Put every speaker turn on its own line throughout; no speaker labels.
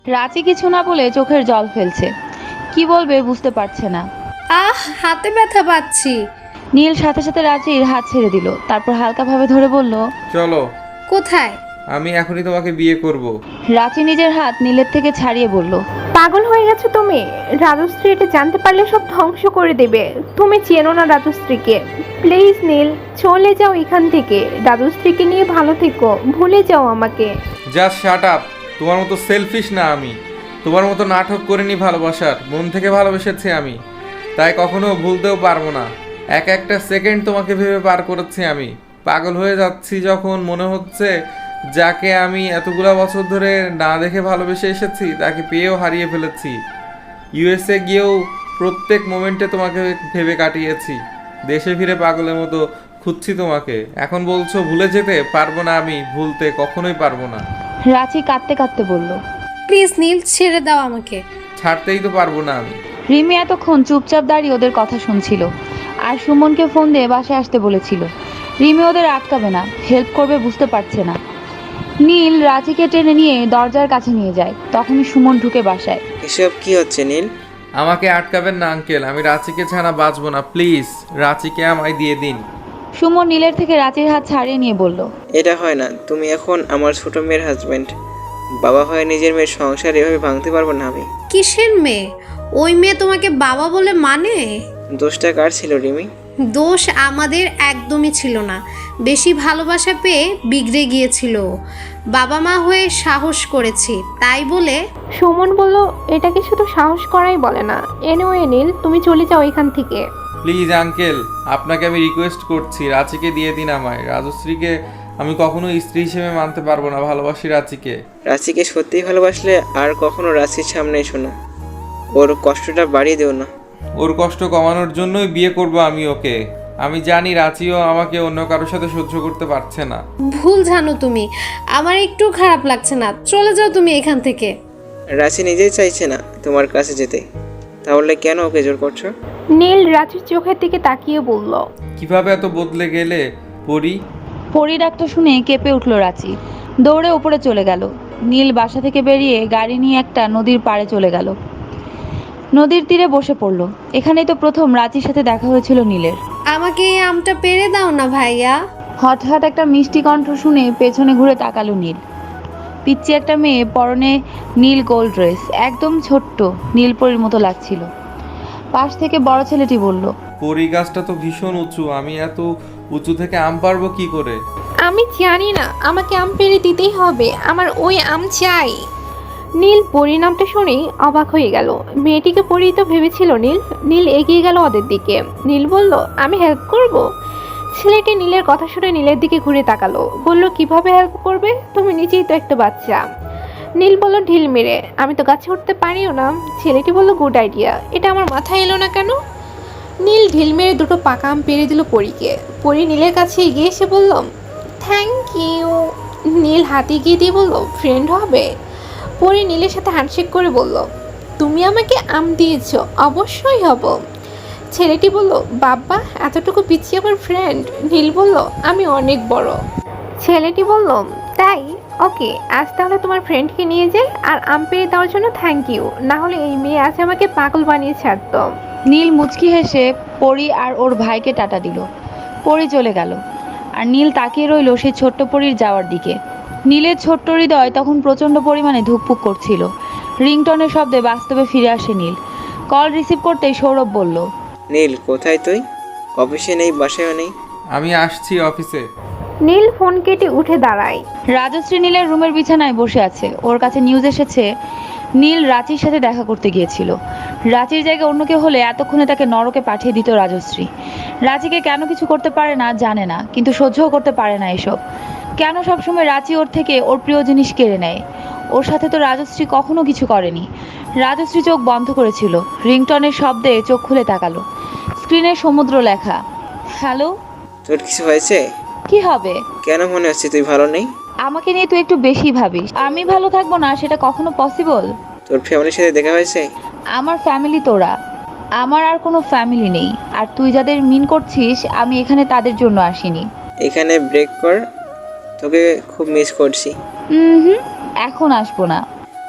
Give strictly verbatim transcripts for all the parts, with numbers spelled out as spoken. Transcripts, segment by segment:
রাঁচি কিছু না বলে চোখের জল ফেলছে, কি বলবে বুঝতে পারছে না।
আহ, হাতে ব্যথা পাচ্ছি।
নীল সাথে সাথে রাঁচির হাত ছেড়ে দিল, তারপর হালকাভাবে ধরে বলল,
চলো।
কোথায়?
আমি এখনই তোমাকে বিয়ে করব।
রাঁচি নিজের হাত নীলের থেকে ছাড়িয়ে বলল,
পাগল হয়ে গেছো তুমি? রাজশ্রী এটা জানতে পারলে সব ধ্বংস করে দেবে। তুমি চেনো না রাজশ্রীকে। প্লিজ নীল, চলে যাও এখান থেকে। রাজশ্রীকে নিয়ে ভালো থেকো, ভুলে যাও আমাকে।
Just shut up. তোমার মতো সেলফিশ না আমি। তোমার মতো নাটক করিনি ভালোবাসার, মন থেকে ভালোবেসেছি আমি। তাই কখনো ভুলতেও পারবো না। এক একটা সেকেন্ড তোমাকে ভেবে পার করেছি আমি। পাগল হয়ে যাচ্ছি যখন মনে হচ্ছে যাকে আমি এতগুলা বছর ধরে না দেখে ভালোবেসে এসেছি তাকে পেয়েও হারিয়ে ফেলেছি। ইউএসএ গিয়েও প্রত্যেক মোমেন্টে তোমাকে ভেবে কাটিয়েছি। দেশে ফিরে পাগলের মতো খুঁজছি তোমাকে। এখন বলছো ভুলে যেতে পারবো না, আমি ভুলতে কখনোই পারবো না।
রাঁচি কাঁদতে কাঁদতে বলল,
প্লিজ নীল, ছেড়ে দাও আমাকে।
ছাড়তেই তো পারবো না আমি।
রিমি এতক্ষণ চুপচাপ দাঁড়িয়ে ওদের কথা শুনছিল, আর সুমনকে ফোন দিয়ে বাসায় আসতে বলেছিল। রিমি ওদের আটকাবে না, হেল্প করবে বুঝতে পারছে না। নীল রাঁচিকে টেনে নিয়ে দরজার কাছে নিয়ে যায়, তখনই সুমন ঢুকে বাসায়।
এসব কি হচ্ছে নীল?
আমাকে আটকাবেন না আঙ্কেল, আমি রাঁচিকে ছাড়া বাঁচবো না। প্লিজ রাঁচিকে আমায় দিয়ে দিন।
সুমন নীলের থেকে রাঁচির হাত ছাড়িয়ে নিয়ে বলল,
এটা হয় না। তুমি এখন আমার ছোট মেয়ের হাজবেন্ড। বাবা হয়ে নিজের মেয়ের সংসার এভাবে ভাঙতে পারবো না আমি।
কিসের মেয়ে? ওই মেয়ে তোমাকে বাবা বলে মানে?
দোষটা কার ছিল রিমি?
দোষ আমাদের একদমই ছিল না। বেশি ভালোবাসা পেয়ে বিগড়ে গিয়েছিল। বাবা মা হয়ে সাহস করেছি, তাই বলে।
সুমন বলল, এটাকে শুধু সাহস করাই বলে না। এনিওয়ে নীল, তুমি চলে যাও এখান থেকে।
প্লিজ আঙ্কেল, আপনাকে আমি রিকোয়েস্ট করছি, রাঁচিকে দিয়ে দিন আমায়। রাজশ্রীকে আমি কখনো স্ত্রী হিসেবে মানতে পারবো না। ভালোবাসি রাঁচিকে।
রাঁচিকে সত্যিই ভালোবাসলে আর কখনো রাঁচির সামনে এসো না। ওর কষ্টটা বাড়িয়ে দেও না।
ওর কষ্ট কমানোর জন্যই বিয়ে করব আমি ওকে। আমি জানি রাঁচিও আমাকে অন্য কারোর সাথে সহ্য করতে পারছে না।
ভুল জানো তুমি। আমার একটু খারাপ লাগছে না, চলে যাও তুমি এখান থেকে।
রাঁচি নিজেই চাইছে না তোমার কাছে যেতে, তাহলে কেন ওকে জোর করছো?
নীল রাঁচির চোখের দিকে তাকিয়ে বলল,
কিভাবে এত বদলে গেলে পরি?
পরি ডাকটা শুনে কেঁপে উঠল রাঁচি, দৌড়ে উপরে চলে গেল। নীল বাসা থেকে বেরিয়ে গাড়ি নিয়ে একটা নদীর পাড়ে চলে গেল। নদীর তীরে বসে পড়ল। এখানেই তো প্রথম রাঁচির সাথে দেখা হয়েছিল নীলের।
আমাকে এই আমটা পেরে দাও না ভাইয়া।
হঠাৎ একটা মিষ্টি কণ্ঠ শুনে পেছনে ঘুরে তাকালো নীল। পিচ্চি একটা মেয়ে, পরনে নীল গোল্ড ড্রেস, একদম ছোট্ট নীলপরির মতো লাগছিল। পাশ থেকে বড় ছেলেটি বলল,
পরি গাছটা তো ভীষণ উঁচু, আমি এত উঁচু থেকে আম পারবো কি করে?
আমি জানি না, আমাকে আম পেড়ে দিতেই হবে। আমার ওই আম চাই। নীল পরিণামটা শুনেই অবাক হয়ে গেল। মেয়েটিকে পরি তো ভেবেছিল নীল। নীল এগিয়ে গেল ওদের দিকে। নীল বলল, আমি হেল্প করব। ছেলেটি নীলের কথা শুনে নীলের দিকে ঘুরে তাকালো, বলল, কিভাবে হেল্প করবে? তুমি নিজেই তো একটা বাচ্চা। নীল বলল ঢিল মেরে, আমি তো গাছে উঠতে পারিও না। ছেলেটি বলল, গুড আইডিয়া। এটা আমার মাথায় এলো না কেন? নীল ঢিল মেরে দুটো পাকা আম পেড়ে দিল পরীকে। পরি নীলের কাছে এগিয়ে এসে বলল, থ্যাংক ইউ। নীল হাতে গিয়ে দিয়ে বলল, ফ্রেন্ড হবে? পরি নীলের সাথে হ্যান্ডশেক করে বলল, তুমি আমাকে আম দিয়েছ, অবশ্যই হব। ছেলেটি বলল, বাবা এতটুকু পিছিয়ে আমার ফ্রেন্ড? নীল বলল, আমি অনেক বড়। ছেলেটি বলল, তাই? ওকে, আজ তাহলে তোমার ফ্রেন্ডকে নিয়ে যাই। আর আম পেড়ে দেওয়ার জন্য থ্যাংক ইউ। না হলে এই মেয়ে আজ আমাকে পাগল বানিয়ে ছাড়ত।
নীল মুচকি হেসে পরি আর ওর ভাইকে টাটা দিল। পরি চলে গেল, আর নীল তাকিয়ে রইল সেই ছোট্ট পরির যাওয়ার দিকে। নীলের ছোট্ট হৃদয় তখন প্রচণ্ড পরিমাণে ধুকপুক করছিল। রিংটনের শব্দে বাস্তবে ফিরে আসে নীল। কল রিসিভ করতেই সৌরভ বলল,
নীল কোথায় তুই? অফিসে নেই, বাসায়ও নেই?
আমি আসছি অফিসে।
নীল ফোন কেটে উঠে দাঁড়ায়।
রাজশ্রী নীলের রুমের বিছানায় বসে আছে। ওর কাছে নিউজ এসেছে নীল রাঁচির সাথে দেখা করতে গিয়েছিল। রাঁচির জায়গায় অন্য কেউ হলে এতক্ষণে তাকে নরকে পাঠিয়ে দিত রাজশ্রী। রাঁচিকে কেন কিছু করতে পারে না জানে না, কিন্তু সহ্যও করতে পারে না এসব। কেন সবসময় রাঁচি ওর থেকে ওর প্রিয় জিনিস কেড়ে নেয়? ওর সাথে তো রাজশ্রী কখনো কিছু করেনি। রাজশ্রী চোখ বন্ধ করেছিল। রিংটনের শব্দে চোখ খুলে তাকালো। স্ক্রিনে সমুদ্র লেখা। হ্যালো।
তোর কিছু হয়েছে?
কি হবে?
কেন মনে হচ্ছে তুই ভালো নেই?
আমাকে নিয়ে তুই একটু বেশি ভাবিস। আমি ভালো থাকবো না সেটা কখনো পসিবল?
তোর ফ্যামিলির সাথে দেখা হয়েছে?
আমার ফ্যামিলি তোরা, আমার আর কোনো ফ্যামিলি নেই। আর তুই যাদের মিন করছিস আমি এখানে তাদের জন্য আসিনি।
এখানে ব্রেক কর, তোকে খুব মিস করছি।
হুম হুম এখন আসবো না।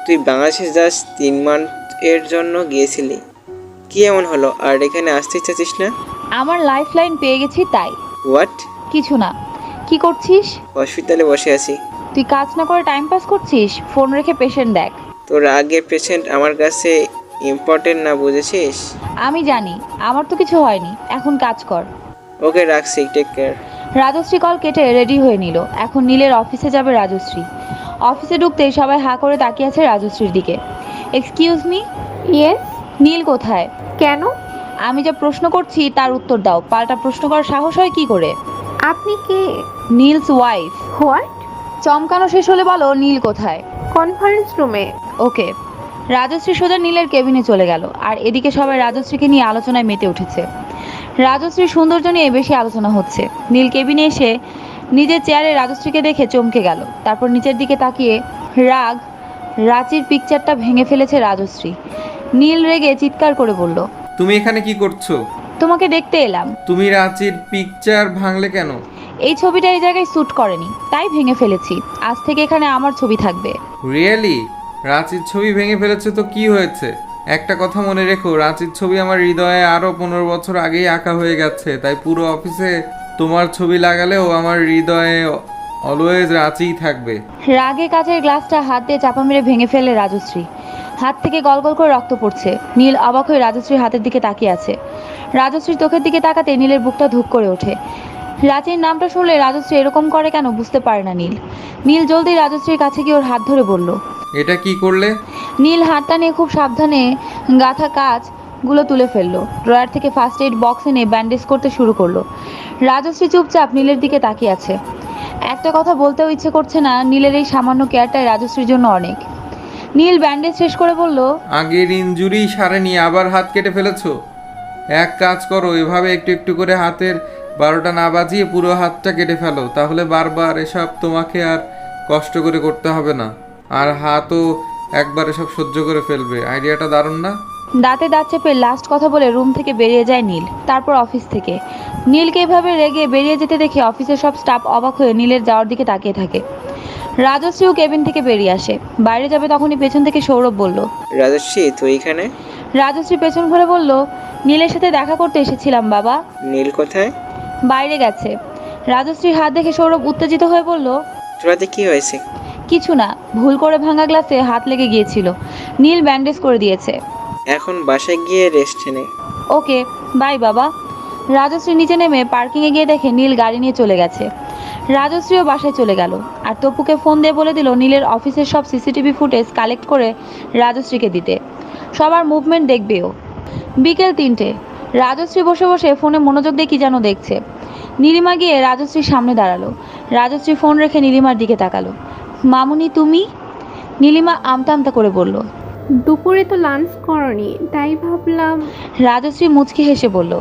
তুই বাংলাদেশে জাস্ট তিন মান্থ এর জন্য গিয়েছিলি, কি এমন হলো আর এখানে আসতে চাচ্ছিস না?
আমার লাইফ লাইন পেয়ে গেছি তাই।
হোয়াট?
কিছু না। কি করছিস?
হসপিটালে বসে আছি।
তুই কাজ না করে টাইম পাস করছিস? ফোন রেখে পেশেন্ট দেখ।
তোর আগের পেশেন্ট আমার কাছে ইম্পর্টেন্ট না, বুঝেছিস?
আমি জানি, আমার তো কিছু হয়নি, এখন কাজ কর।
ওকে রাখছি, টেক কেয়ার।
রাজশ্রী কল কেটে রেডি হয়ে নিল। এখন নীলের অফিসে যাবে রাজশ্রী। অফিসে ঢুকতেই সবাই হাঁ করে তাকিয়ে আছে রাজশ্রীর দিকে। Excuse me,
yes.
নীল কোথায়?
কেন?
আমি যা প্রশ্ন করছি তার উত্তর দাও। পাল্টা প্রশ্ন করার সাহস হয় কি করে?
আপনি কে?
নীলস ওয়াইফ।
হোয়াট?
চমকানো শেষ হলে বলো নীল কোথায়।
কনফারেন্স রুমে।
ওকে। রাজশ্রী সোজা নীলের কেবিনে চলে গেল। আর এদিকে সবাই রাজশ্রীকে নিয়ে আলোচনায় মেতে উঠেছে। রাজশ্রীর সৌন্দর্য নিয়ে বেশি আলোচনা হচ্ছে। নীল কেবিনে এসে নিজের চেয়ারে রাজশ্রীকে দেখে চমকে গেল। তারপর নিচের দিকে তাকিয়ে রাগ রাঁচির পিকচারটা ভেঙে ফেলেছে রাজশ্রী। নীল রেগে চিৎকার করে বলল,
তুমি এখানে কি করছো?
তোমাকে দেখতে এলাম।
তুমি রাঁচির পিকচার ভাঙলে কেন?
এই ছবিটা এই জায়গায় শ্যুট করেনি, তাই ভেঙে ফেলেছি। আজ থেকে এখানে আমার ছবি থাকবে।
রিয়েলি? রাঁচির ছবি ভেঙে ফেলেছে তো কি হয়েছে? একটা কথা মনে রেখো, রাঁচির ছবি আমার হৃদয়ে আরও পনেরো বছর আগেই আঁকা হয়ে গেছে, তাই পুরো অফিসে তোমার ছবি লাগালেও আমার হৃদয়ে অলওয়েজ রাঁচিই থাকবে।
রাগে কাচের গ্লাসটা হাত দিয়ে চাপা মেরে ভেঙে ফেলে রাজশ্রী। হাত থেকে গলগল করে রক্ত পড়ছে। নীল অবাক হয়ে রাজশ্রীর হাতের দিকে তাকিয়ে আছে। রাজশ্রীর চোখের দিকে তাকাতে নীলের বুকটা ধুক করে ওঠে। রাঁচির নামটা শুনলে রাজশ্রী এরকম করে কেন বুঝতে পারে না নীল। নীল জলদি রাজশ্রীর কাছে গিয়ে ওর হাত ধরে বলল।
এটা কি করলে?
নীল হাতটা নিয়ে খুব সাবধানে গাঁথা কাচগুলো তুলে ফেললো। ড্রয়ার থেকে ফার্স্ট এইড বক্স এনে ব্যান্ডেজ করতে শুরু করলো। রাজশ্রী চুপচাপ নীলের দিকে তাকিয়ে আছে। একটা কথা বলতেও ইচ্ছে করছে না, নীলের এই সামান্য কেয়ারটাই রাজশ্রীর জন্য অনেক। নীল ব্যান্ডেজ শেষ করে বলল,
আগের ইনজুরি সারেনি, আবার হাত কেটে ফেলেছো? এক কাজ করো, এভাবে একটু একটু করে হাতের বারোটা না বাজিয়ে পুরো হাতটা কেটে ফেলো, তাহলে বারবার এসব তোমাকে আর কষ্ট করে করতে হবে না, আর হাতও একবার এসব সহ্য করে ফেলবে। আইডিয়াটা দারুণ না?
দাঁতে দাঁত চেপে লাস্ট কথা বলে রুম থেকে বেরিয়ে যায় নীল। তারপর অফিস থেকে নীলকে এভাবে রেগে বেরিয়ে যেতে দেখে অফিসের সব স্টাফ অবাক হয়ে নীলের যাওয়ার দিকে তাকিয়ে থাকে। রাজশ্রীও কেবিন থেকে বেরিয়ে আসে। বাইরে যাবে তখনই পেছন থেকে সৌরভ বলল,
রাজশ্রী তুই এখানে?
রাজশ্রী পেছন ঘুরে বলল, নীলের সাথে দেখা করতে এসেছিলাম বাবা।
নীল কোথায়?
বাইরে গেছে। রাজশ্রীর হাত দেখে সৌরভ উত্তেজিত হয়ে বলল,
তোরাতে কি হয়েছে?
কিছু না, ভুল করে ভাঙা গ্লাসে হাত লেগে গিয়েছিল। নীল ব্যান্ডেজ করে দিয়েছে।
এখন বাসায় গিয়ে রেস্ট নে।
ওকে বাই বাবা। রাজশ্রী নিচে নেমে পার্কিংয়ে গিয়ে দেখে নীল গাড়ি নিয়ে চলে গেছে। রাজশ্রীও বাসায় চলে গেল আর তপুকে ফোন দিয়ে বলে দিল নীলের অফিসের সব সিসিটিভি ফুটেজ কালেক্ট করে রাজশ্রীকে দিতে। সবার মুভমেন্ট দেখবেও। বিকেল তিনটে। রাজশ্রী বসে বসে ফোনে মনোযোগ দিয়ে কি যেন দেখছে। নীলিমা গিয়ে রাজশ্রীর সামনে দাঁড়ালো। রাজশ্রী ফোন রেখে নীলিমার দিকে তাকালো। মামুনি তুমি? নীলিমা আমতা আমতা করে বলল।
দুপুরে তো লাঞ্চ করনি, তাই ভাবলাম।
রাজশ্রী মুচকি হেসে বলল,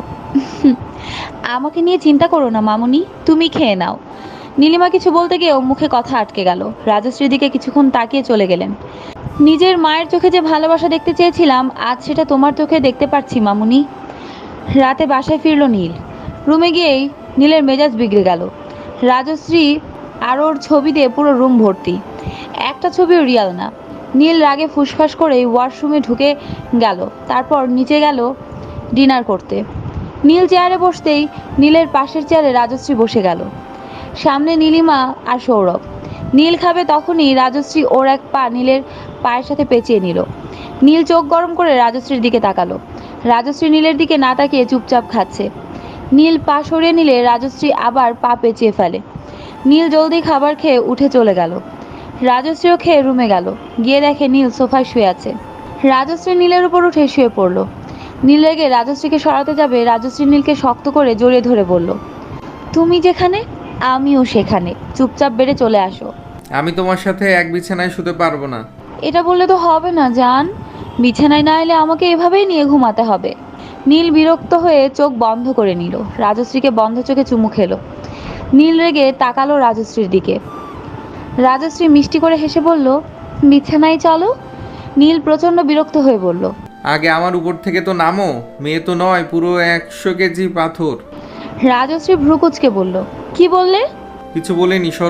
আমাকে নিয়ে চিন্তা করো না মামুনি, তুমি খেয়ে নাও। নীলিমা কিছু বলতে গিয়েও মুখে কথা আটকে গেল। রাজশ্রীর দিকে কিছুক্ষণ তাকিয়ে চলে গেলেন। নিজের মায়ের চোখে যে ভালোবাসা দেখতে চেয়েছিলাম, আজ সেটা তোমার চোখে দেখতে পাচ্ছি মামুনি। রাতে বাসায় ফিরল নীল। রুমে গিয়েই নীলের মেজাজ বিগড়ে গেল। রাজশ্রী আর ওর ছবি দিয়ে পুরো রুম ভর্তি। একটা ছবিও রিয়াল না। নীল রাগে ফুসফাস করে ওয়াশরুমে ঢুকে গেল। তারপর নিচে গেল ডিনার করতে। নীল চেয়ারে বসতেই নীলের পাশের চেয়ারে রাজশ্রী বসে গেল। সামনে নীলিমা আর সৌরভ। নীল খাবে তখনই রাজশ্রী ওর এক পা নীলের পায়ের সাথে পেঁচিয়ে নিল। নীল চোখ গরম করে রাজশ্রীর দিকে তাকালো। রাজশ্রী নীলের দিকে না তাকিয়ে চুপচাপ খাচ্ছে। নীল পা সরিয়ে নিলে রাজশ্রী আবার পা পেঁচিয়ে ফেলে। নীল জলদি খাবার খেয়ে উঠে চলে গেল। রাজশ্রীও খেয়ে রুমে গেল। গিয়ে দেখে নীল সোফায় শুয়ে আছে। রাজশ্রী নীলের উপর উঠে শুয়ে পড়ল। নীল রেগে রাজশ্রীকে সরাতে যাবে, রাজশ্রী নীলকে শক্ত করে জড়িয়ে ধরে বলল, তুমি যেখানে আমিও সেখানে, চুপচাপ বেড়ে চলে আসো।
আমি তোমার সাথে এক বিছানায় শুতে পারবো না।
এটা বললে তো হবে না জান, বিছানায় না এলে আমাকে এভাবেই নিয়ে ঘুমাতে হবে। নীল বিরক্ত হয়ে চোখ বন্ধ করে নিল। রাজশ্রীকে বন্ধ চোখে চুমু খেলো। নীল রেগে তাকালো রাজশ্রীর দিকে। রাজশ্রী মিষ্টি করে হেসে বলল, বিছানায় চলো। নীল প্রচণ্ড বিরক্ত হয়ে বলল,
আগে আমার উপর থেকে তো নামো, মেয়ে তো নয় পুরো একশো কেজি পাথর।
রাজশ্রী ভ্রুকুচকে বলল, কি বললে?
কিছু বলিনি, সরো।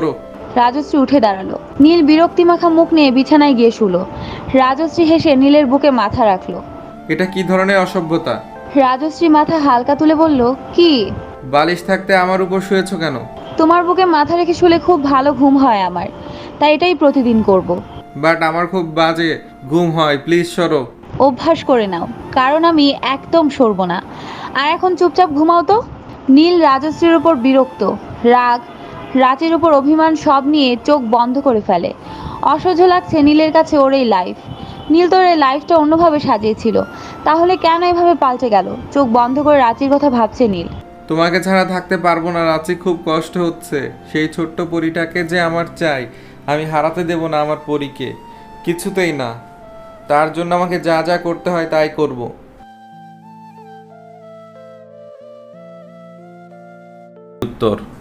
রাজশ্রী উঠে দাঁড়ালো। নীল বিরক্তি মাখা মুখ নিয়ে বিছানায় গিয়ে শুলো। রাজশ্রী হেসে নীলের বুকে মাথা রাখলো।
এটা কি ধরনের অসভ্যতা?
রাজশ্রী মাথা হালকা তুলে বলল, কি?
বালিশ থাকতে আমার উপর শুয়েছো কেন?
তোমার বুকে মাথা রেখে শুলে খুব ভালো ঘুম হয় আমার, তাই এটাই প্রতিদিন করব।
বাট আমার খুব বাজে ঘুম হয়, প্লিজ সরো।
অভ্যাস করে নাও, কারণ আমি একদম সরব না। আর এখন চুপচাপ ঘুমাও তো। নীল রাজশ্রীর উপর বিরক্ত, রাগ, রাতের উপর অভিমান সব নিয়ে চোখ বন্ধ করে ফেলে। অসহ্য লাগছে নীলের কাছে ওর এই লাইফ। নীল তোর এই লাইফটা অন্যভাবে সাজিয়েছিল, তাহলে কেন এভাবে পাল্টে গেল? চোখ বন্ধ করে রাঁচির কথা ভাবছে নীল।
তোমাকে ছাড়া থাকতে পারবো না রাঁচি, খুব কষ্ট হচ্ছে। সেই ছোট্ট পরীটাকে যে আমার চাই, আমি হারাতে দেব না আমার পরীকে, কিছুতেই না। তার জন্য আমাকে যা যা করতে হয় তাই করব। উত্তর।